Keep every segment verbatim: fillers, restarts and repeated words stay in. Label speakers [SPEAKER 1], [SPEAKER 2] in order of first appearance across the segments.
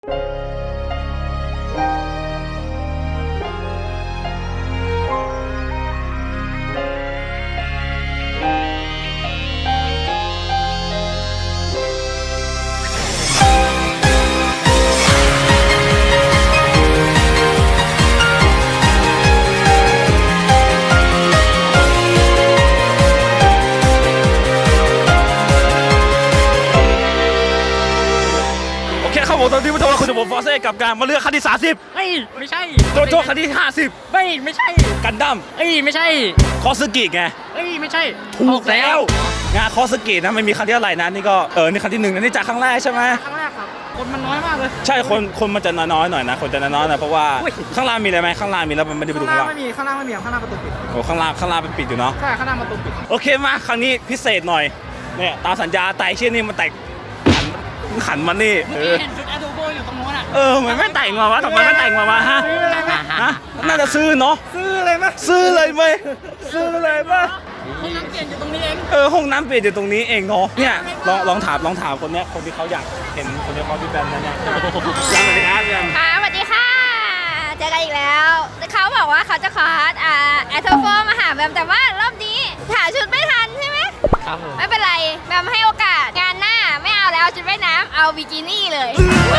[SPEAKER 1] ตอนนี้ผู้ชมคุณจะบอกฟอร์เซ่กับการมาเลือกคันที่สามสิบ
[SPEAKER 2] เฮ้ยไม่ใช่
[SPEAKER 1] โจโจคันที่ห้าสิบ
[SPEAKER 2] ไม่ไม่ใช่
[SPEAKER 1] กันดั้ม
[SPEAKER 2] เอ้ยไม่ใช่
[SPEAKER 1] คอสกิไง
[SPEAKER 2] เอ้ยไม่ใช่
[SPEAKER 1] ถูกแล้วงานคอสกินะมันมีคันที่อะไรนะนี่ก็เออนี่คันที่หนึ่งนะนี่จากครั้งแรกใช่ไหม
[SPEAKER 2] ครั้งแรกครับคนมันน้อยมากเลย
[SPEAKER 1] ใช่คนคนมันจะน้อยหน่อยนะคนจะน้อยหน่อยเพราะว่าข้างล่างมีอะไรไหมข้างล่างมีแล้วมันไม่ได้ไปดูข้างล่าง
[SPEAKER 2] ไม่มีข้างล่างไม่มีข้างล่างประตูปิด
[SPEAKER 1] โอ้ข้างล่างข้างล่างเป็นปิดอยู่เนาะ
[SPEAKER 2] ใช่ข้างล่างประตูปิด
[SPEAKER 1] โอเคมาครั้งนี้พิเศษหน่อยเนี่ยตามสัญญาไต่เชี่ยนี่มันไต่ขันมันนี่
[SPEAKER 2] เห็นจุดแอดโดโบอยู่ตรงโน้นอ่ะ
[SPEAKER 1] เออมันไม่แต่งมาวะทำไมไม่แต่งมาวะฮะฮะน่าจะซื้อเนาะ
[SPEAKER 2] ซื้อเลยไหม
[SPEAKER 1] ซื้อเลยไหมซื้อเลยไหม
[SPEAKER 2] ห้องน้ำเปลี่ยนอยู่ตรงนี้เอง
[SPEAKER 1] เออห้องน้ำเปลี่ยนอยู่ตรงนี้เองเนาะเนี่ยลองลองถามลองถามคนเนี้ยคนที่เขาอยากเห็นคนที่เขาพี่แบมนั่นเนี่ยสวัสดีครับแบม
[SPEAKER 3] ค่ะสวัสดีค่ะเจอกันอีกแล้วเขาบอกว่าเขาจะขออ่าแอทโทโฟมาหาแบมแต่ว่ารอบนี้หาชุดไม่ทันใช่ไหม
[SPEAKER 2] ครับผม
[SPEAKER 3] ไม่เป็นไรแบมให้โอกาสงานหน้าไม่เอาแล้วชุดว่ายน้ำเอาบิกินี่เลย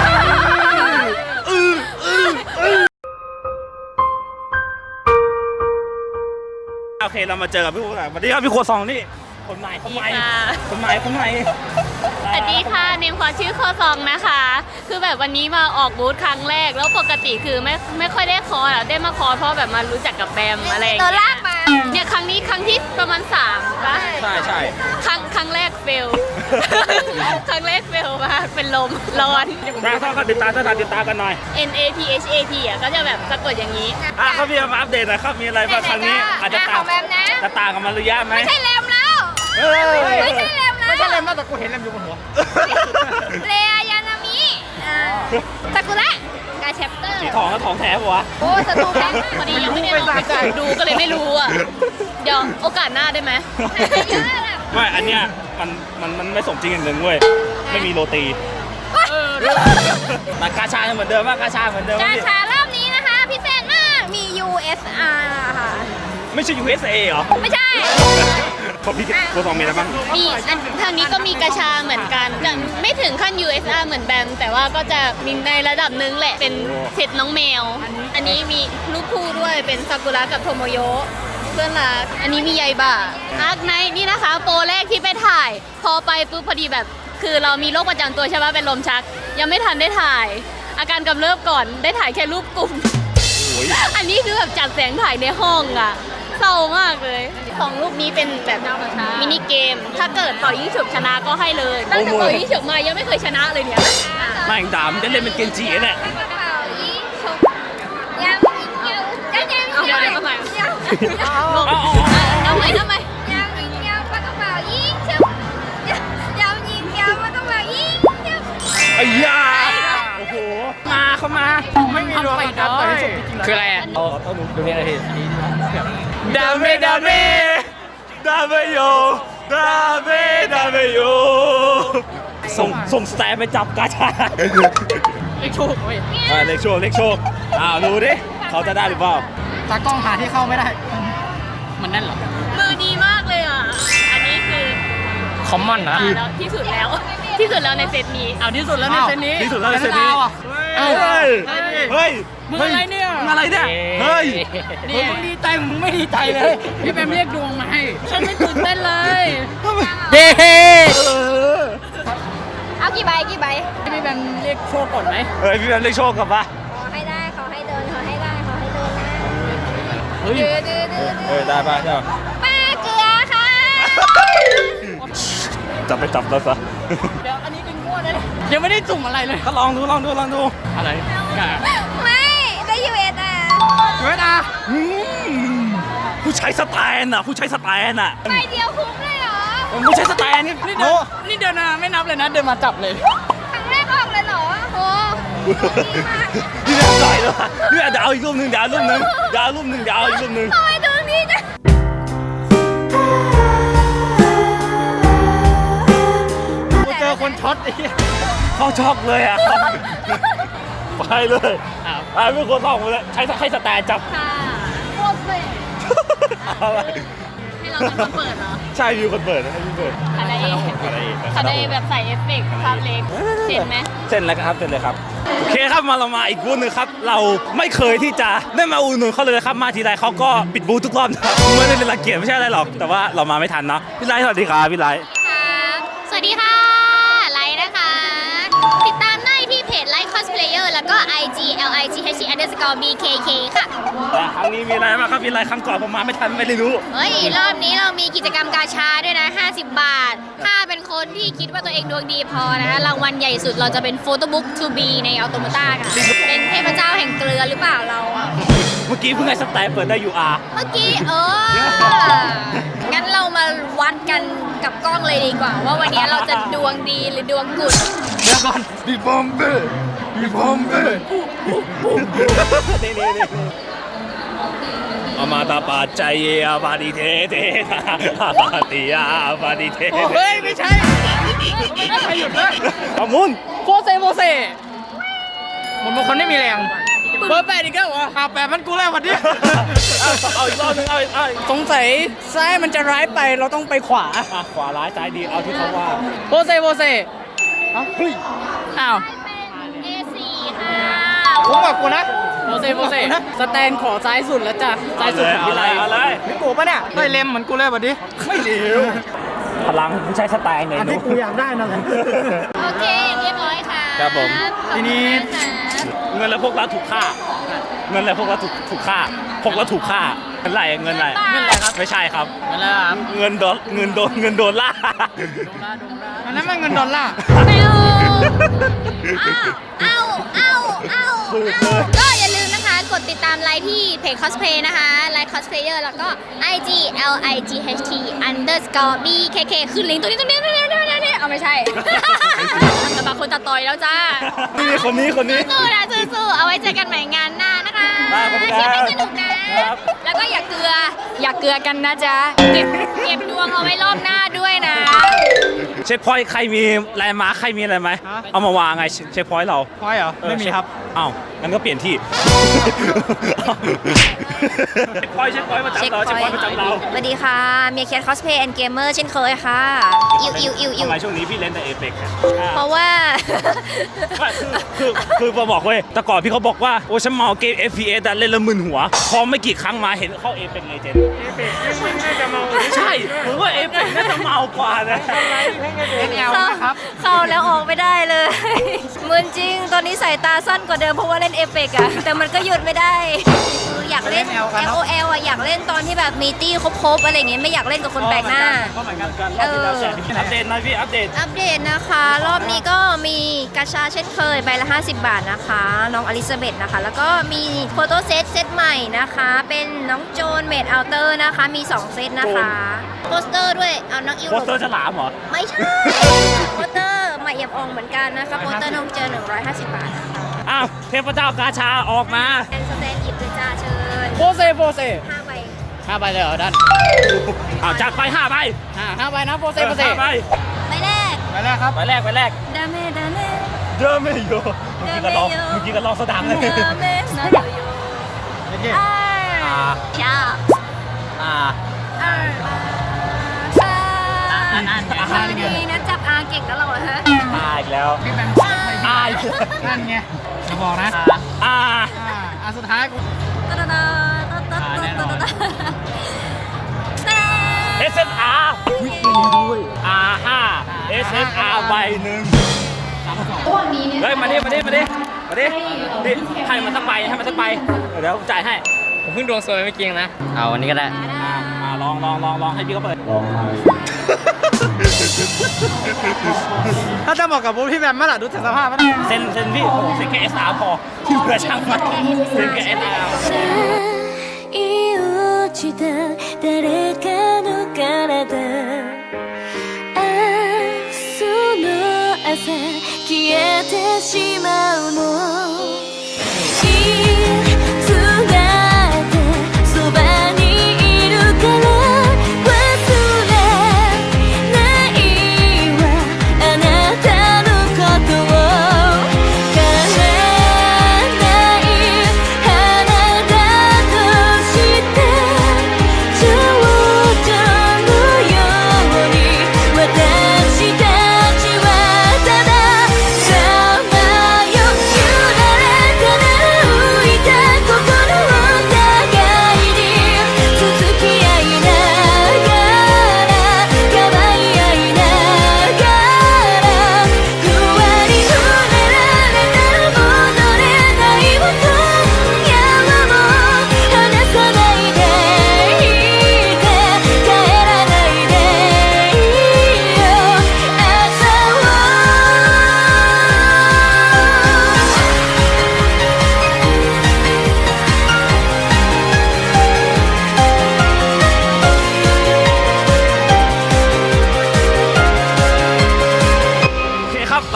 [SPEAKER 1] โอเคเรามาเจอกับพี่ครูสวัสดีครับพี่ครูซองนี่คนใหม่คนใหม่คนใหม่คนใหม่
[SPEAKER 4] สวัสดีค่ะเนมขอชื่อโคซองนะคะคือแบบวันนี้มาออกบูธครั้งแรกแล้วปกติคือไม่ไม่ค่อยได้คอร์สได้มาคอร์สเพราะแบบมารู้จักกับแบมอะไรอย่าง
[SPEAKER 3] ตัว
[SPEAKER 4] เงี้
[SPEAKER 3] ลากมาย
[SPEAKER 4] เนี่ยครั้งนี้ครั้งที่ประมาณสามป่ะ
[SPEAKER 1] ใช่ใช่
[SPEAKER 4] ครั้งครั้งแรกเฟล ครั้งแรกเฟลมากเป็นลมร้อน
[SPEAKER 1] ถ้าถ้าติดตามถ้าติดตามกันหน่อย
[SPEAKER 4] N A T H A T อ่ะก็จะแบบสะกดอย่างนี้
[SPEAKER 1] อ่ะเขามีมาอัปเดตหน่อยครับมีอะไรบ้างครั้งนี้อาจจะต่างจะต่างกันมาระยะไหม
[SPEAKER 3] ไม่ใช่แรมแล้วไม่ใช่แรมแล้ว
[SPEAKER 2] ไม่ใช่แรมแล้วแต่กูเห็นแรมอยู่บนหัว
[SPEAKER 3] เรยานามิซากุระกาแชปเตอร์
[SPEAKER 1] สีทองก็ทองแท้ปะวะ
[SPEAKER 3] โอ้สตูแพง
[SPEAKER 4] พอดียังไม่ได้ลองไปกดดูก็เลยไม่รู้อ่ะเดี๋ยวโอกาสหน้าได้ไหม
[SPEAKER 1] ไม่อันเนี้ยมันมันมันไม่สมจริงอย่างหนึ่งเว้ยไม่มีโรตีแต่กาชาเหมือนเดิมว่ากาชาเหมือนเดิม
[SPEAKER 3] กาชารอบนี้นะคะพิเศษมากมี ยู เอส อาร์ ค่ะ
[SPEAKER 1] ไม่ใช่ ยู เอส เอ เหรอ
[SPEAKER 3] ไม่ใช่
[SPEAKER 1] เขาพี่โคซองมีอะไรบ้าง
[SPEAKER 4] มีอันทางนี้ก็มีกาชาเหมือนกันแต่ไม่ถึงขั้น ยู เอส อาร์ เหมือนแบมแต่ว่าก็จะมีในระดับนึงแหละเป็นเซตน้องแมวอันนี้มีลูกคู่ด้วยเป็นซากุระกับโทโมโยะเพื่อนรักอันนี้มีไยบะอาร์คไนท์นี่นะคะโปรแรกที่ไปถ่ายพอไปปุ๊บพอดีแบบคือเรามีโรคประจำตัวใช่ไหมเป็นลมชักยังไม่ทันได้ถ่ายอาการกำเริบก่อนได้ถ่ายแค่รูปกลุ่มอันนี้คือแบบจัดแสงถ่ายในห้องอะเศร้ามากเลยของรูปนี้เป็นแบบมินิเกมถ้าเกิดเป่ายิงฉุบชนะก็ให้เลยตั้งแต่เป่ายิงฉุบมายังไม่เคยชนะเลยเนี่ย
[SPEAKER 1] ไม่ด่ามันจะเล่นเป็นเกนจิแหละ
[SPEAKER 3] ยังยังยังยัง
[SPEAKER 4] เอาไปเอาไปเอาไปทำไม
[SPEAKER 3] ยังยังปากกระเป๋ายิงฉุบยังยิงยังปากกระเป๋ายิงฉุบ
[SPEAKER 1] ไอ้ยาโอ้โหมาเข้ามา
[SPEAKER 2] ไม่มีรวมกันต่อยคืออะไรอ่ะ
[SPEAKER 1] เอาเอาหนู
[SPEAKER 2] ดูเนี่ยอะไร
[SPEAKER 1] ดาเมดาเมดาเมโยดาเมดาเมโยส่งส่งสแตนไปจับกาชา
[SPEAKER 2] เล็กโชคเว้ย
[SPEAKER 1] เล็กโชคเล็กโชคอ้าวดูดิเขาจะได้หรือเปล่า
[SPEAKER 2] ตากล้องหาที่เข้าไม่ได้มันนั่นเหรอ
[SPEAKER 4] มือดีมากเลยอ่ะอันนี้คือ
[SPEAKER 2] คอมมอนนะ
[SPEAKER 4] ที่สุดแล้วที่สุดแล้วในเซตนี้
[SPEAKER 2] เอาที่สุดแล้วในเซตนี้
[SPEAKER 1] ที่สุดแล้วในเซตนี้เฮ้ยเฮ้ย
[SPEAKER 2] มึงอะไรเนี่ย
[SPEAKER 1] มึงอะไรเนี่ยเฮ้ย
[SPEAKER 2] มึงดีใจมึงไม่ดีใจเลยพี่แบมเรียกดวงมาให้
[SPEAKER 4] ฉันไม่ตื่นเต้นเลย
[SPEAKER 2] เย้
[SPEAKER 3] เอากี่ใบกี่ใบ
[SPEAKER 2] พี่แบมเรียกโชคก่อนไหม
[SPEAKER 1] เฮ้ยพี่แบมเรียกโชคกับปะ
[SPEAKER 3] ขอให้ได้ขอให้เดินขอให้ได้ขอให้เดินนะ
[SPEAKER 1] เฮ้ยเฮ้ยได้ป่ะใช่ป่ะ
[SPEAKER 3] ป้าเกลือค่ะ
[SPEAKER 1] จับไปจับแล้วซะ
[SPEAKER 2] เดี๋ยวอันนี้เป็นง่วงเลยยังไม่ได้จุ่มอะไรเลย
[SPEAKER 1] ก็ลองดูลองดูลองดู
[SPEAKER 2] อะไร
[SPEAKER 3] ไม่ได้ยูเอสอ่ะ
[SPEAKER 2] ยูเอสอ่ะ
[SPEAKER 1] ผู้ใช้สแตนอ่ะผู้ใช้สแตนอ่ะ
[SPEAKER 3] ใบเดียวคุ้มเลยเหรอ
[SPEAKER 1] ผู้ใช้สแตนนี่
[SPEAKER 2] นี่เดินนี่เดินมาไม่นับเลยนะเดินมาจับเลย
[SPEAKER 3] ครั้งแรกออกเลยเหรอโอ้
[SPEAKER 1] นี่แบบใหญ่เลยนี่เดี๋ยวเอาอีกรูปหนึ่งเดี๋ยวรูปหนึ่งเดี๋ยวรูปหนึ่งเดี๋ยวเอาอีกรูปหนึ่ง
[SPEAKER 3] ทำไมตรงนี้จะ
[SPEAKER 2] เจอคนช็อตไอ้
[SPEAKER 1] เขาช็อกเลยอ่ะช่เลย
[SPEAKER 2] อ้าว
[SPEAKER 1] อ่าเป็นคนส่องมาเลยใช้ให้สแตนจับ
[SPEAKER 4] ค่ะโคตรเลย
[SPEAKER 1] อะไร
[SPEAKER 4] ให้เราเป็นคนเปิดเหรอ
[SPEAKER 1] ใช่มีคนเปิดให้พี่เปิด
[SPEAKER 4] คาไดเอ
[SPEAKER 1] อะไรอีก
[SPEAKER 4] คาไดเอแบบใส่เอฟเฟกต์ภาพเล็กเห็นไหม
[SPEAKER 1] เส้นแล้วครับเส้นเลยครับโอเคครับมาเรามาอีกบูธหนึงครับเราไม่เคยที่จะได้มาอุดหนุนเขาเลยนะครับมาทีไรเขาก็ปิดบูธทุกรอบนะครับไม่ได้เป็นรังเกียจไม่ใช่อะไรหรอกแต่ว่าเรามาไม่ทันเนาะพี่ไลท์สวัสดีครับพี่ไลท์
[SPEAKER 4] ครับสวัสดีค่ะ ไลท์นะคะ ติดตามได้ที่เพจไลท์คอสเพลเยอร์แล้วก็ ไอ จี แอล ไอ จี เอช ที underscore บี เค เค ค่ะ
[SPEAKER 1] แต่ครั้งนี้มีอะไรมางครับพี่ไลท์ครั้งก่อนผมมาไม่ทันไม่ได้รู้
[SPEAKER 4] เฮ้ย รอบนี้เรามีกิจกรรมกาชาด้วยนะ ห้าสิบบาท ถ้าเป็นคนที่คิดว่าตัวเองดวงดีพอนะคะรางวัลใหญ่สุดเราจะเป็นโฟโต้บุ๊ก ทู บี ในอัลโตม a ต้าค่ะ เป็นเทพเจ้าแห่งเกลือหรือเปล่าเราอะ
[SPEAKER 1] เมื่อกี้เพิ่งให้สแตนเปิดได้ ยู อาร์
[SPEAKER 4] เมื่อกี้เออ งั้นเรามาวัดกันกับกล้องเลยดีกว่า ว่าวันนี้เราจะดวงดีหรือดวงกุด
[SPEAKER 1] เดี๋ยวก่อนบีบอมเบ้บีบอมเบ้นี่นี่นี่อามาตาปาใจเยอาบาดิเทเทอาบาติยาบาดิเท
[SPEAKER 2] เฮ้ย ไม่ใช่ไม่ใช่หยุดเลย
[SPEAKER 1] ขมุน
[SPEAKER 2] โฟเซโฟเซมันเป็นคนไม่มีแรงเบอร์แปดอีกแล้วเหรออ่าแปดมันกูแล้ววันนี้
[SPEAKER 1] เอาอีกรอบนึงเอาอีกเอาอีก
[SPEAKER 2] สงสัยซ้ายมันจะร้ายไปเราต้องไปขวา
[SPEAKER 1] อ่ะขวาร้ายซ้ายดีเอาที่เขาว่า
[SPEAKER 2] โฟเซโฟเซเอ้าเฮ้ยอ้าว
[SPEAKER 4] เอ สี่ ค่ะ
[SPEAKER 2] ผมบอกกูนะโฟเซโฟเซสแตนขอซ้ายสุดแล้วจ้ะซ้ายสุดของ
[SPEAKER 1] เอา
[SPEAKER 2] พี่
[SPEAKER 1] เล
[SPEAKER 2] ไร
[SPEAKER 1] ยเอาเลย
[SPEAKER 2] นี่กูปะเนี่ยได้เล็มเหมือนกูเลยวันนี้
[SPEAKER 1] ไม่เร็วพลังไม่ใช่สไตล์ไง
[SPEAKER 2] อันที่กูอยากได้นั่นแหละ
[SPEAKER 4] โอเค เรียบร้อยค่ะ
[SPEAKER 1] ครับผม
[SPEAKER 2] ทีนี้
[SPEAKER 4] ขอบคุณมากค่ะ
[SPEAKER 1] เงินแล้วพวกเราถูกฆ่า เงินแล้วพวกเราถูกถูกฆ่า พวกเราถูกฆ่าเงินอะไรเงินอะไร
[SPEAKER 4] เงินอะไรครับ
[SPEAKER 1] ไม่ใช่ครับ
[SPEAKER 2] มาแล้วครับ
[SPEAKER 1] เงินโดนเงินโดนเงินโดนล่า
[SPEAKER 2] อันนั้นมันเงินดอลลาร์
[SPEAKER 4] ไม่เอาเอาเอาเอาเอาก็อย่าลืมนะคะ กดติดตามไลน์ที่เพจ cosplay นะคะไลน์ cosplayer แล้วก็ ไอ จี แอล ไอ จี เอช ที underscore บี เค เค ขึ้นลิงก์ตัวนี้ตรงนี้ตรงนี้ตรงนี้ตรงนี้เอาไม่ใช่ แต่บางคนตัดต่อยแล้วจ้า
[SPEAKER 1] นี่คนนี้คนนี้
[SPEAKER 4] สู้ๆนะสู้ๆเอาไว้เจอกันใหม่งานหน้านะคะ
[SPEAKER 1] ได้ครับ
[SPEAKER 4] เชียร์ให้สนุกนะ
[SPEAKER 1] ครับ
[SPEAKER 4] แล้วก็อย่าเกลือ อย่าเกลือกันนะจ๊ะ เก็บเก็บดวงเอาไว้รอบหน้าด้วยนะ
[SPEAKER 1] เช็คพอยต์ใครมีแลนด์มาร์คใครมีอะไรไหม เอามาวางไงเช็คพอยต์เรา
[SPEAKER 2] พอยเหรอ ไม่มีครับ
[SPEAKER 1] อ้าวงั้นก็เปลี่ยนที่ เช็คพอยต์เช็คพอยต์ประจำเราเช็คพอยต์ประจำเรา
[SPEAKER 3] สวัสดีค่ะ เมียแคทคอสเพย์แอนด์เกมเมอร์เช่นเคยค่ะ อิวอิวอิวอิ
[SPEAKER 1] ทำ
[SPEAKER 3] ว
[SPEAKER 1] ไมช่วงนี้พี่เล่นแต่เอเปก
[SPEAKER 3] เพราะว่า
[SPEAKER 1] ไม่คือคือคือมาบอกเว้ยแต่ก่อนพี่เขาบอกว่าโอ้ฉันเมาเกม เอฟ พี เอส แต่เล่นแล้วมึนหัว พอไม่กี่ครั้งมาเห็นเข้าเอเปกเลยเจนเอเปกน่าจะเมาใช่ผมว่าเอเปกน่าจะเมากว่านะ
[SPEAKER 2] เอ็น แอล
[SPEAKER 3] เข้า
[SPEAKER 2] นะครับ
[SPEAKER 3] เข้าแล้วออกไม่ได้เลย มึนจริง ตอนนี้สายตาสั้นกว่าเดิมเพราะว่าเล่นเอเปกอะแต่มันก็หยุดไม่ได้คืออยากเล่น
[SPEAKER 2] เล่น L กันเนอะ
[SPEAKER 3] แอล โอ แอล อะอยากเล่นตอนที่แบบมีตี้ครบๆอะไรอย่างเงี้ยไม่อยากเล่นกับคนแปลกหน้า
[SPEAKER 1] ก็เหมือนกันกันรอบที่แล้วแชร์ที่อัปเดตหน่อยพี่อัปเดต
[SPEAKER 3] อัปเดตนะคะ รอบนี้ก็มีกาชาเช่นเคยใบละ ห้าสิบบาทนะคะ น้องอลิซาเบธนะคะ แล้วก็มีโฟโต้เซตเซตใหม่นะคะ เป็นน้องโจนเมดอัลเตอร์นะคะ มี สอง เซตนะคะโปสเตอร์ด้วยเอาน้องอิว
[SPEAKER 1] โปสเตอร์ฉลามเหรอ
[SPEAKER 3] ไม่ใช่ โปสเตอร์ใหม่เอี่ยมอ่องเหมือนกันนะคะโปสเตอร์น้องเจอหนึ่งร้อยห้าสิบบาทนะคะ
[SPEAKER 1] อ้าวเทพเจ้ากาชาออกมา
[SPEAKER 3] แอนสแตนหยิบเลยจ้าเชิญ
[SPEAKER 2] โฟเซโฟเซ
[SPEAKER 3] ห้าใบ
[SPEAKER 2] ห้าใบเลยเหรอด้าน
[SPEAKER 1] อ้าวจัดไปห้าใบ
[SPEAKER 2] ห้าห้าใบนะโฟเซโฟเซ
[SPEAKER 1] ห้าใบ
[SPEAKER 3] ใบแรก
[SPEAKER 2] ไปแล้วครับ
[SPEAKER 1] ใบแรกใบแรก
[SPEAKER 3] ดาเมดาเม
[SPEAKER 1] เยอะไม่โยเมื่อกี้ก็ลองเมื่อกี้ก็ลองสะดังเลย
[SPEAKER 3] ดาเมนาโยโย
[SPEAKER 2] โอเค
[SPEAKER 3] อ่า
[SPEAKER 1] อ่า
[SPEAKER 3] ชอบ
[SPEAKER 1] อ่า
[SPEAKER 3] อ่าอ่า
[SPEAKER 2] อ่านอ่านอ่าน
[SPEAKER 3] อ่าดีนะจับอาเก่งแล้วเราเหรอฮะ
[SPEAKER 1] อ่าอีกแล้ว
[SPEAKER 2] พี่แบม
[SPEAKER 1] อ่าอีกแล้ว
[SPEAKER 2] นั่นไงจะบอกนะ
[SPEAKER 1] อ่า
[SPEAKER 2] อ่าอ่าสุดท้ายกู
[SPEAKER 3] ตะตะตะตะตะ
[SPEAKER 2] อ่าแน่นอน
[SPEAKER 3] ตะตะตะ
[SPEAKER 1] เอสเอสอาร์อาห้าเอสเอสอาร์ใบหนึ่งเฮ้ยมาดิมาดิมาดิมาดิดิให้มันสักใบให้มันสักใบเดี๋ยวจ่ายให้
[SPEAKER 2] ผมเพิ่งดวงสวยไม่จริงนะ เอาวันนี้ก็ได้
[SPEAKER 1] อ่าอ่าลองลองลองลองให้พี่เขาเปิด
[SPEAKER 2] ถ้าจะบอกกับบูพี่แบมเมื่อไหร่ดูจากสภาพมัน
[SPEAKER 1] เซ็นเซ็นพี่โอ้โหเซ็นแค่เอสอาร์พอที่เหลือช่างมันเซ็นแค่เอสอาร์
[SPEAKER 5] 愛落ちた誰かの体ああその朝消えてしまうのいつだってそばにいるから忘れないわあなたのことを悲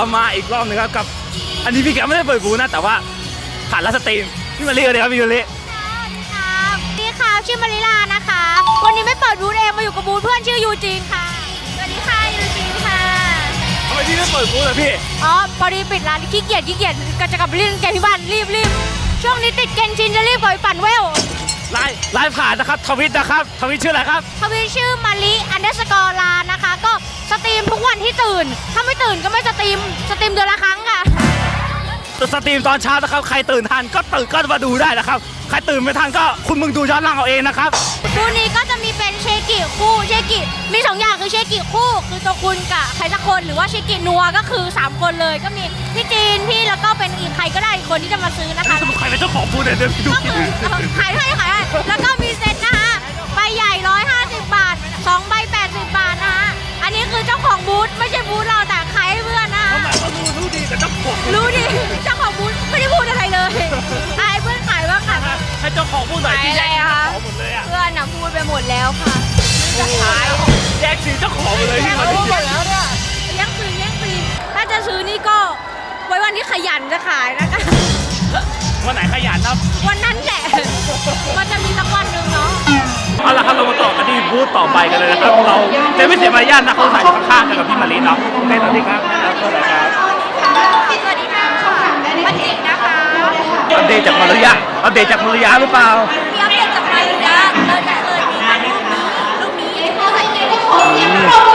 [SPEAKER 1] มาอีกรอบหนึงครับกับ อันนี้พี่แกไม่ได้เปิดบูธนะแต่ว่าผ่านไลฟ์สตรีมพี่มารีเลยครับพี่มารี
[SPEAKER 6] ครับดีค่ะชื่อมาริลานะคะ วันนี้ไม่เปิดบูธเองมาอยู่กับบูธเพื่อนชื่อยูจีนค่ะ
[SPEAKER 3] สวัสดีค่ะยูจีนค่ะ
[SPEAKER 1] ทำไมพี่ไม่เปิดบูธเลยพี่
[SPEAKER 6] อ๋อพอดีปิดร้านขี้เกียจขี้เกียจก็จะกลับไปเล่นเกมที่บ้านรีบรีบช่วงนี้ติดเกนชินจะรีบกลับไปปั่นเวล
[SPEAKER 1] ไลฟ์ไลฟ์ผ่านนะครับทวิตนะครับทวิตชื่ออะไรครับ
[SPEAKER 6] ทวีชื่อมาริอันเดอร์สกอร์ลานะคะ ก็สตรีมทุกวันที่ตื่น ถ้าไม่ตื่นก็ไม่สตรีมสตรีมเดือนละครั้งค่ะ
[SPEAKER 1] สตรีมตอนเช้านะครับใครตื่นทันก็ตื่นก็มาดูได้นะครับใครตื่นไม่ทันก็คุณมึงดูย้อนหลังเอาเองนะครับ
[SPEAKER 6] บูธนี้ก็จะมีเป็นเชกิคู่เชกิมีสองอย่างคือเชกิคู่คือตัวคุณกับใครสักคนหรือว่าเชกินัวก็คือสามคนเลยก็มีพี่จีนพี่แล้วก็เป็นอีกใครก็ได้อีกคนที่จะมาซื้อนะคะ
[SPEAKER 1] สรุปใครเป็นเจ้าของบูธเนี่ยเดี๋ยวพี่ดู
[SPEAKER 6] ก็คือขายให้ขายให้แล้วก็มีเซ็ตนะคะใบใหญ่หนึ่งร้อยห้าสิบบาทสองใบแปดสิบบาทนะคะอันนี้คือเจ้าของบูธไม่ใช่บูธเราแต่ขายให้เพื่อนนะคะ
[SPEAKER 1] เขาหมายว่ารู้รู้ดีแต่เจ้าของ
[SPEAKER 6] รู้ดิเจ้าของบูธไม่ได้พูดอะไรเลยอายเพื่อนขายบ้างค่ะ
[SPEAKER 1] ให้เจ้าของบูธหน่อยที่แยกเจ้าของหมดเลยอ่ะ
[SPEAKER 6] เพื่อนน่ะพูดไปหมดแล้วค่ะจะขาย
[SPEAKER 1] แยกสีเจ้าของหมดเลยที่มา
[SPEAKER 6] พู
[SPEAKER 1] ที่
[SPEAKER 6] ดหมดแล้วเนี่ยแย่งซื้อแย่งซื้อถ้าจะซื้อนี่ก็ไว้วันที่ขยันจะขายนะคะ
[SPEAKER 1] วันไหนขยันครับ
[SPEAKER 6] วันนั้นแหละมันจะมีสักวันหนึ่งเนาะ
[SPEAKER 1] เอาละครับเรามาต่อกันที่บูธต่อไปกันเลยนะครับเราจะไม่เสียมารยาทนะเขาใส่อยู่ข้างๆกันกับพี่มารีเนาะโอเคสวัสดีครับแนะนำตัวหน่อยครับ
[SPEAKER 3] สวัสดีค่ะปันจิกนะคะ
[SPEAKER 1] อัปเดตจากมาริยาอัปเดตจากมาริยาหรือเปล่า
[SPEAKER 3] พี่อัปเดตจากมาริยาเลยจะเลยมีอันรูปนี้รูปนี้ที่เขาใส่ในที่ของเนี่ย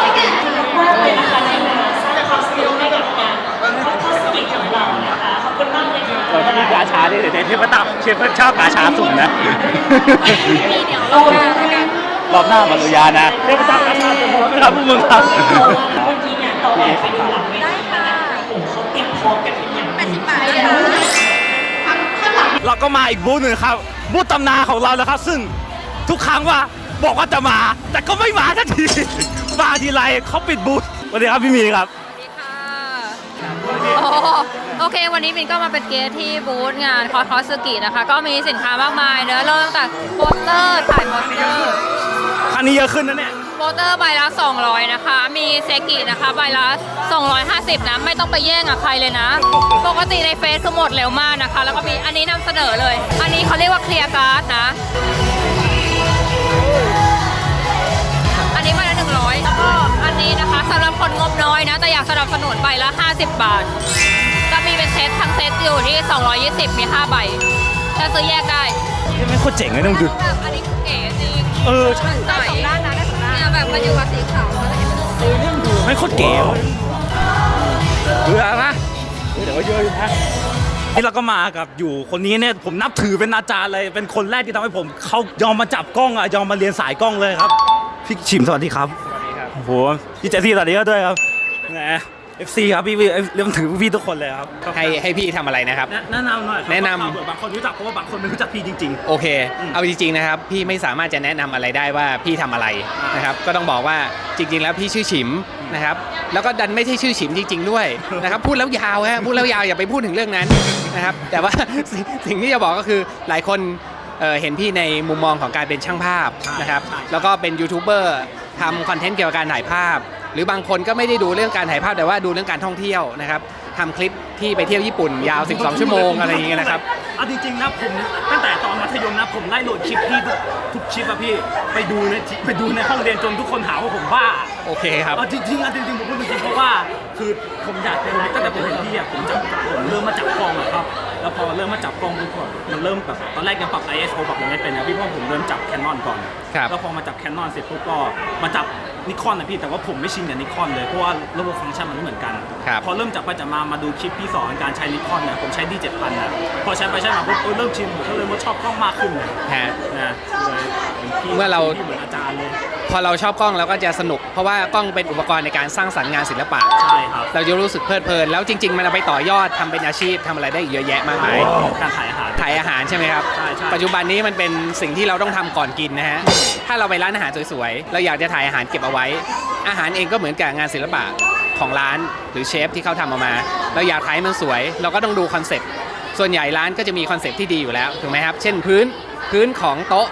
[SPEAKER 1] เราจะมีกาชาด้วยเดี๋ยวเชฟก็ตับเชฟก็ชอบกาชาสุ่มนะ
[SPEAKER 3] มีเดี๋ยวรอบหน้าแล้วกัน
[SPEAKER 1] รอบหน้ามาริยานะเชฟก็ตับกาชาสุ่มไหมครับพวกมึงครับ
[SPEAKER 3] ได้ค่ะแปดสิบบาทนะคะ
[SPEAKER 1] เราก็มาอีกบูธหนึ่งครับบูธตำนานของเราแล้วครับ ซึ่งทุกครั้งว่าบอกว่าจะมา แต่ก็ไม่มาสักทีมาทีไรเขาปิดบูธสวัสดีครับพี่มีครับ
[SPEAKER 7] สวัสดีค่ะโอ้โอเค วันนี้มินก็มาเป็นเกสที่บูธงานคอสคอสกินะคะ ก็มีสินค้ามากมายเนอะเริ่มตั้งแต่โปสเตอร์ถ่ายโปสเตอร์
[SPEAKER 1] ครั้งนี้เยอะขึ้นนะเนี่ย
[SPEAKER 7] โปสเตอร์ใบละ สองร้อย นะคะ มีเซกินะคะใบละ สองร้อยห้าสิบ นะ ไม่ต้องไปแย่งกับใครเลยนะ ปกติในเฟซคือหมดเร็วมากนะคะ แล้วก็มีอันนี้นำเสนอเลย อันนี้เขาเรียกว่าเคลียร์การ์ดนะ อันนี้ใบละหนึ่งร้อยแล้วก็อันนี้นะคะสำหรับคนงบน้อยนะ แต่อยากสนับสนุนใบละ ห้าสิบบาท ก็มีเป็นเซตทั้งเซตอยู่ที่ สองร้อยยี่สิบ มีห้าใบถ้าซื้อแยกได้
[SPEAKER 1] นี่ไม่โคตรเจ๋งเลยต้องดู
[SPEAKER 7] แบบอันนี้เก๋จริง
[SPEAKER 1] เออ
[SPEAKER 7] ใส่สองด้านนะได้สองด้านเนี่ยแบบมันอยู่กับสีขาวแล้วเห็นไหม
[SPEAKER 1] ไม่โคตรเก๋ว่ะเบื่อนะเดี๋ยวก็เยอะอยู่นะนี่เราก็มากับอยู่คนนี้เนี่ยผมนับถือเป็นอาจารย์เลยเป็นคนแรกที่ทำให้ผมเขายอมมาจับกล้องอ่ะยอมมาเรียนสายกล้องเลยครับพี่ชิมสวัสดีครับสวัสดีครับโอ้โหพี่เจสซี่สวัสดีด้วยครับแหม เอฟ ซี ครับพี่เรียกถือพี่ทุกคนเลยครับ
[SPEAKER 2] ให้ให้พี่ทำอะไรนะครับ
[SPEAKER 1] แนะนำหน่อยครับ
[SPEAKER 2] แนะนำ
[SPEAKER 1] เผื่อบางคนรู้จักเพราะว่าบางคนไม่รู้จักพี่จริง
[SPEAKER 2] โอเค
[SPEAKER 1] อืม
[SPEAKER 2] เอาจริงๆนะครับ พี่ไม่สามารถจะแนะนำอะไรได้ว่าพี่ทำอะไรนะครับ ก็ต้องบอกว่าจริงๆ แล้วพี่ชื่อฉิมนะครับ แล้วก็ดันไม่ใช่ชื่อฉิมจริง ๆ ด้วยนะครับ พูดแล้วยาวฮะ พูดแล้วยาวอย่าไปพูดถึงเรื่องนั้นนะครับ แต่ว่า สิ่งสิ่งที่จะบอกก็คือหลายคนเอ่อเห็นพี่ในมุมมองของการเป็นช่างภาพนะครับ แล้วก็เป็นยูทูบเบอร์ทำคอนเทนต์เกี่ยวกับการถ่ายภาพ หรือบางคนก็ไม่ได้ดูเรื่องการถ่ายภาพแต่ว่าดูเรื่องการท่องเที่ยวนะครับทำคลิปที่ไปเที่ยวญี่ปุ่นยาว สิบสอง ชั่วโมงอะไรอย่างเงี้ยนะครับ
[SPEAKER 1] เอาจริงๆนะผมตั้งแต่ตอนมัธยมนะผมไล่โหลดคลิปพี่ทุกทุกคลิปอะพี่ไปดูในไปดูในห้องเรียนจนทุกคนหาว่าผมบ้า
[SPEAKER 2] โอเคครับ
[SPEAKER 1] เอาจริงๆอะจริงๆผมพูดจริงๆเพราะว่าคือผมอยากเป็นตั้งแต่ผมเห็นพี่อะผมจับผมเริ่มมาจับกล้องอะครับแล้วพอเริ่มมาจับกล้องปุ๊บอะมันเริ่มแบบตอนแรกยังปรับ ไอ เอส โอ ปรับอะไรไม่เป็นนะพี่เพราะผมเริ่มจับ Canon ก่อน
[SPEAKER 2] ครับ
[SPEAKER 1] แล้วพอมาจับ Canon เสร็จปุ๊บก็มาจับนิคอนนะพี่แต่ว่าผมไม่ชินกับนิคอนเลยเพราะว่าระบบฟังก์ชันมันไม่เหมือนกัน
[SPEAKER 2] ครับ
[SPEAKER 1] พอเริ่มจับไปจับมามาดูคลิปพี่สอนการใช้นิคอนเนี่ยผมใช้ ดี เจ็ดพัน นะพอใช้ไปใช้มาปุ๊บเออเริ่มชินผมก็เลยว่าชอบกล้องมากขึ้นเลย
[SPEAKER 2] ฮะ
[SPEAKER 1] นะเลยพี่
[SPEAKER 2] เมื่อเรา
[SPEAKER 1] พี่เหมือนอาจารย์เลย
[SPEAKER 2] พอเราชอบกล้องเราก็จะสนุก เพราะว่ากล้องเป็นอุปกรณ์ในการสร้างสรรค์งานศิลปะ
[SPEAKER 1] ใช่ครับ
[SPEAKER 2] เราจะรู้สึกเพลิดเพลิน แล้วจริง ๆ มันเอาไปต่อยอดทำเป็นอาชีพทำอะไรได้อีกเยอะแยะมากมาย
[SPEAKER 1] การถ่ายอาหาร
[SPEAKER 2] ถ่ายอาหารใช่ไหมครับ
[SPEAKER 1] ใช่ใช่
[SPEAKER 2] ปัจจุบันนี้มันเป็นสิ่งที่เราต้องทำก่อนกินนะฮะ ถ้าเราไปร้านอาหารสวยๆ เราอยากจะถ่ายอาหารเก็บเอาไว้ อาหารเองก็เหมือนกับงานศิลปะของร้านหรือเชฟที่เขาทำออกมา เราอยากถ่ายให้มันสวย เราก็ต้องดูคอนเซ็ปต์ ส่วนใหญ่ร้านก็จะมีคอนเซ็ปต์ที่ดีอยู่แล้วถูกไหมครับ เช่นพื้นพื้นของโต๊ะ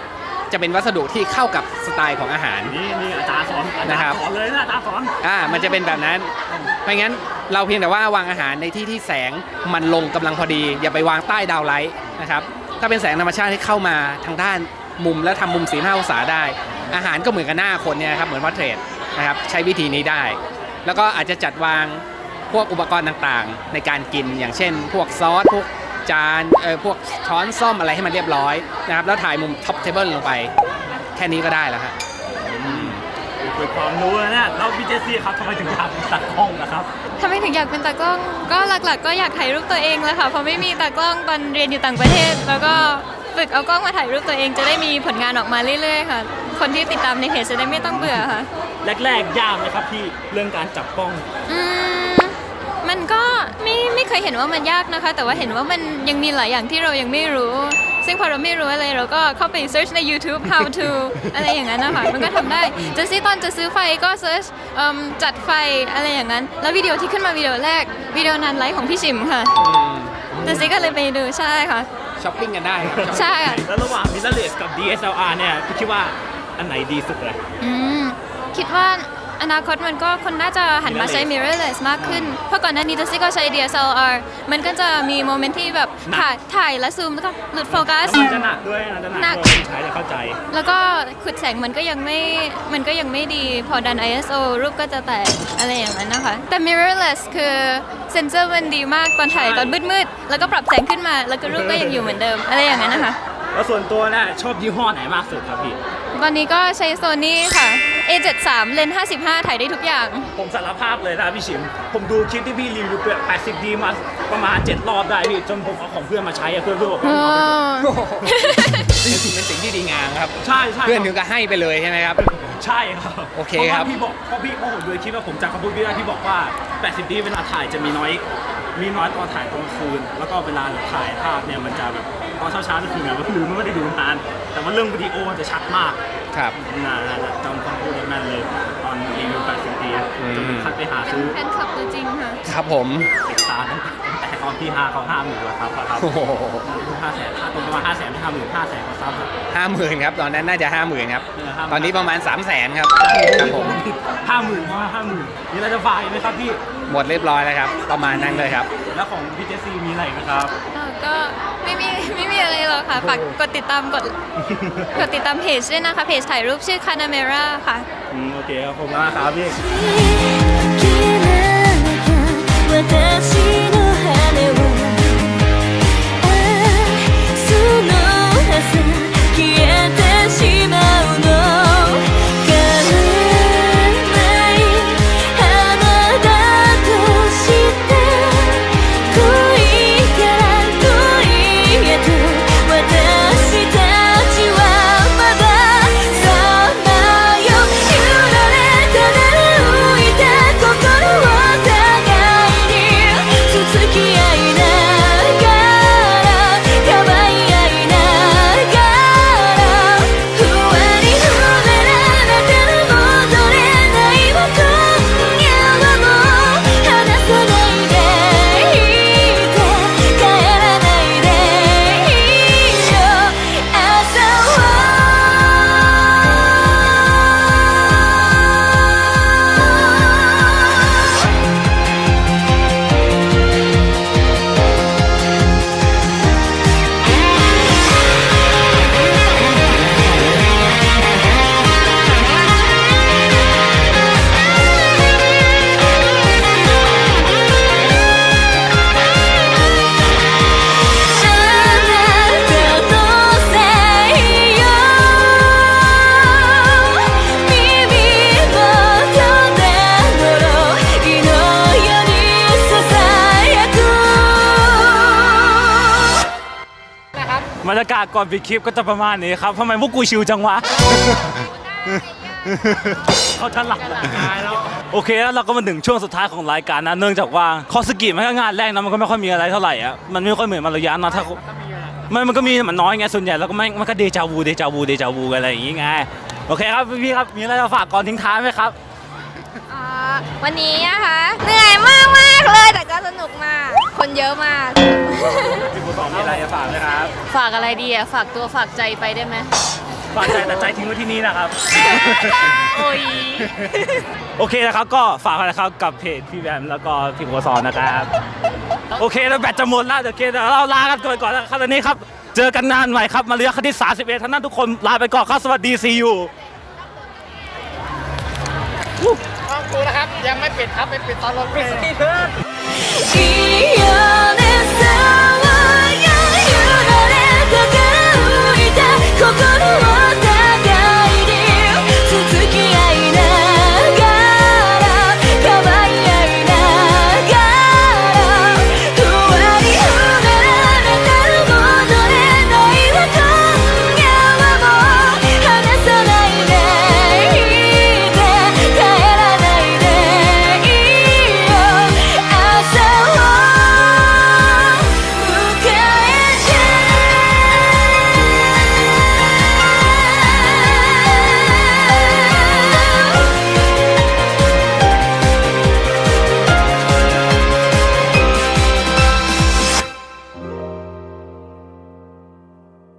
[SPEAKER 2] จะเป็นวัสดุที่เข้ากับสไตล์ของอาหาร
[SPEAKER 1] นี่นี่อาจารย์สอนอาจาร
[SPEAKER 2] นะครับ
[SPEAKER 1] ย์สอนเลยนะอาจารย์สอน
[SPEAKER 2] อ่ามันจะเป็นแบบนั้นไม่งั้นเราเพียงแต่ว่าวางอาหารในที่ที่แสงมันลงกำลังพอดี อย่าไปวางใต้ดาวไลท์นะครับถ้าเป็นแสงธรรมชาติที่เข้ามาทางด้านมุมแล้วทำมุมสี่ห้าองศาได้ อาหารก็เหมือนกับหน้าคนเนี่ยครับเหมือนว่าเทรดนะครับใช้วิธีนี้ได้ แล้วก็อาจจะจัดวางพวกอุปกรณ์ต่างๆ ในการกินอย่างเช่น พวกซอสพวกจานเออพวกช้อนซ่อมอะไรให้มันเรียบร้อยนะครับแล้วถ่ายมุมท็อปเทเบิลลงไปแค่นี้ก็ได้แล้วฮะ
[SPEAKER 1] คือความรู้นะเนี่ยแล้วพี่เจสซี่ครับทำไมถึงอยากเป็นตัดกล้องนะครับ
[SPEAKER 8] ทำไมถึงอยากเป็นตากล้อง ก็หลักๆ ก็อยากถ่ายรูปตัวเองแหละค่ะ เพราะไม่มีตากล้องตอนเรียนอยู่ต่างประเทศ แล้วก็ฝึกเอากล้องมาถ่ายรูปตัวเองจะได้มีผลงานออกมาเรื่อยๆค่ะ คนที่ติดตามในเพจจะได้ไม่ต้องเบื่อค่ะ
[SPEAKER 1] แรกๆยากไหมครับพี่เรื่องการจับกล้อง
[SPEAKER 8] อืมมันก็ไม่ไม่เคยเห็นว่ามันยากนะคะ แต่ว่าเห็นว่ามันยังมีหลายอย่างที่เรายังไม่รู้ ซึ่งพอเราไม่รู้อะไรเราก็เข้าไป search ใน YouTube how to อะไรอย่างนั้นนะคะมันก็ทำได้จะซื้อตอนจะซื้อไฟก็ search เอิ่มจัดไฟอะไรอย่างนั้น แล้ววิดีโอที่ขึ้นมาวิดีโอแรกวิดีโอนานไลฟ์ของพี่ชิมค่ะแต่ซิก็เลยไปดูใช่ค่ะ
[SPEAKER 2] ช้อปปิ้งกันได้ครับ
[SPEAKER 8] ใช่ค่ะ
[SPEAKER 1] แล้วระหว่าง mirrorless กับ ดี เอส แอล อาร์ เนี่ยพี่คิดว่าอันไหนดีสุดเลย
[SPEAKER 8] อืมคิดว่าอนาคตมันก็คนน่าจะหันมาใช้ mirrorless มากขึ้น เพราะก่อนหน้านี้ตัวซี่ก็ใช้ ดี เอส แอล อาร์ มันก็จะมีโมเมนต์ที่แบบถ่ายถ่ายแล้วซูมแล้วก็หลุดโฟกัส
[SPEAKER 1] มันจะหนักด้วยนะจะหนัก
[SPEAKER 8] หนัก
[SPEAKER 1] ด้วยคนใช้จะเข้าใจ
[SPEAKER 8] แล้วก็ขุดแสงมันก็ยังไม่ มันก็ยังไม่ดี พอดัน ไอ เอส โอ รูปก็จะแตกอะไรอย่างนั้นนะคะ แต่ mirrorless คือเซนเซอร์มันดีมากตอนถ่ายตอนมืดๆ แล้วก็ปรับแสงขึ้นมา แล้วก็รูปก็ยังอยู่เหมือนเดิม อะไรอย่างนั้นนะคะ
[SPEAKER 1] แล้วส่วนตัวเนี่ยชอบยี่ห้อไหนมากสุดครับพี่
[SPEAKER 8] ตอนนี้ก็ใช้ Sony ค่ะ เอ เจ็ดสิบสาม เลนส์ห้าสิบห้าถ่ายได้ทุกอย่าง
[SPEAKER 1] ผมสารภาพเลยนะพี่ชิม ผมดูคลิปที่พี่รีวิวแปดสิบดีมาประมาณเจ็ดรอบได้พี่จนผมเอาของเพื่อนมาใช้อะเพื่อนเพื่อนบอกว่าเอาไป
[SPEAKER 2] นี่ถือเป็นสิ่งที่ดีงามครับ
[SPEAKER 1] ใช่ใช่
[SPEAKER 2] เพื่อนถึงก็ให้ไปเลยใช่ไหมครับ
[SPEAKER 1] ใช่ครับ
[SPEAKER 2] โอเคครับ
[SPEAKER 1] พาะว่าพี่บอกเพราะพี่เพราะผมดูคลิปว่าผมจากคำพูดพี่ได้พี่บอกว่าแปดสิบดีเวลาถ่ายจะมีน้อยมีน้อยตอนถ่ายตอนกลางคืน แล้วก็เวลาถ่ายภาพเนี่ยมันจะแบบตอนเช้าเช้าๆจะคือไงก็ลืมไม่ได้ดูนานแต่ว่าเรื่องวิดีโอมันจะชัดมาก
[SPEAKER 2] ครับ
[SPEAKER 1] น่าจำคำพูดได้แม่นเลยตอนรีวิวแปดสิบดีจนถึงขั้นไปหาซื้อ
[SPEAKER 8] แฟนคลับตัวจริงค่ะ
[SPEAKER 2] ครับผม
[SPEAKER 1] ติดตามตั้งแต่ตอนที่ห้าเขาห้าหมื่นแล้วครับครับ
[SPEAKER 2] โอ้โห
[SPEAKER 1] ห้าแสนตรงประมาณห้าแสนไม่ห้าหมื่นห้าแสนกว่าซับ
[SPEAKER 2] ห้าหมื่นครับ ตอนนั้นน่าจะห้าหมื่นครับ
[SPEAKER 1] เออ50,000
[SPEAKER 2] ตอนนี้ประมาณสามแสนครับ ครับผม
[SPEAKER 1] ห้าหมื่นว่าห้าหมื่นมีอะไรจะฝากอีกไหมครับพี่
[SPEAKER 2] หมดเรียบร้อยแล้วครับ ประมาณนั้นเลยครับ
[SPEAKER 1] แล้วของพี่เจสซี่มีอะไรอีกนะครับ
[SPEAKER 8] เอ่อก็ไม่มีไม่มีอะไรหรอกค่ะ ฝากกดติดตามกดกดติดตามเพจด้วยนะคะ เพจถ่ายรูปชื่อ Canamera ค่ะ
[SPEAKER 1] อืมโอเคครับผมมากครับพี่
[SPEAKER 5] 消えなきゃ私の羽はああその朝消えてしまうの叶わない花だとして恋から恋へと私たちはまださまよ揺られたなら浮いた心を互いにつつき合いながらかばい合いながらふわり触れられたら戻れないわ今夜はもう離さないでいて帰らないでいいよ朝
[SPEAKER 1] บรรยากาศก่อนปิดคลิปก็จะประมาณนี้ครับทำไมพวกกูชิวจังวะ เขาจะหลับแล้วโอเคแล้วเราก็มาถึงช่วงสุดท้ายของรายการนะเนื่องจากว่าคอสกิมันก็งานแรกนะมันก็ไม่ค่อยมีอะไรเท่าไหร่อ่ะมันไม่ค่อยเหมือนมาระยะนะถ้ามันมันก็มีมันน้อยไงส่วนใหญ่แล้วก็ไม่มันก็เดจาวูเดจาวูเดจาวูอะไรอย่างงี้ไงโอเคครับพี่ๆครับมีอะไรจะฝากก่อนทิ้งท้ายไหมครับ
[SPEAKER 3] อ่าวันนี้นะคะเหนื่อยมากมากๆเลยแต่ก็สนุกมาก คนเยอะมาก
[SPEAKER 1] พี่ผู้สอนมีอะไรจะฝากไหมครับ
[SPEAKER 4] ฝากอะไรดีอะฝากตัวฝากใจไปได้ไหม
[SPEAKER 1] ฝากใจแต่ใจทิ้งไว้ที่นี่นะครับ
[SPEAKER 7] โอ้ย
[SPEAKER 1] โอเคนะครับก็ฝากกันนะครับกับเพจพี่แบมแล้วก็พี่โกซอนนะครับโอเคแล้วแบตจะหมดแล้วเดี๋ยวโอเคเดี๋ยวเราลากันก่อนก่อนนะครับตอนนี้ครับเจอกันนานใหม่ครับมาเรียนคณิตสามสิบเอ็ดท่านนั้นทุกคนลาไปก่อนครับสวัสดีซีอู
[SPEAKER 2] ห้องครูนะครับยังไม่ปิดครับไปปิดตอนลง
[SPEAKER 5] いいよね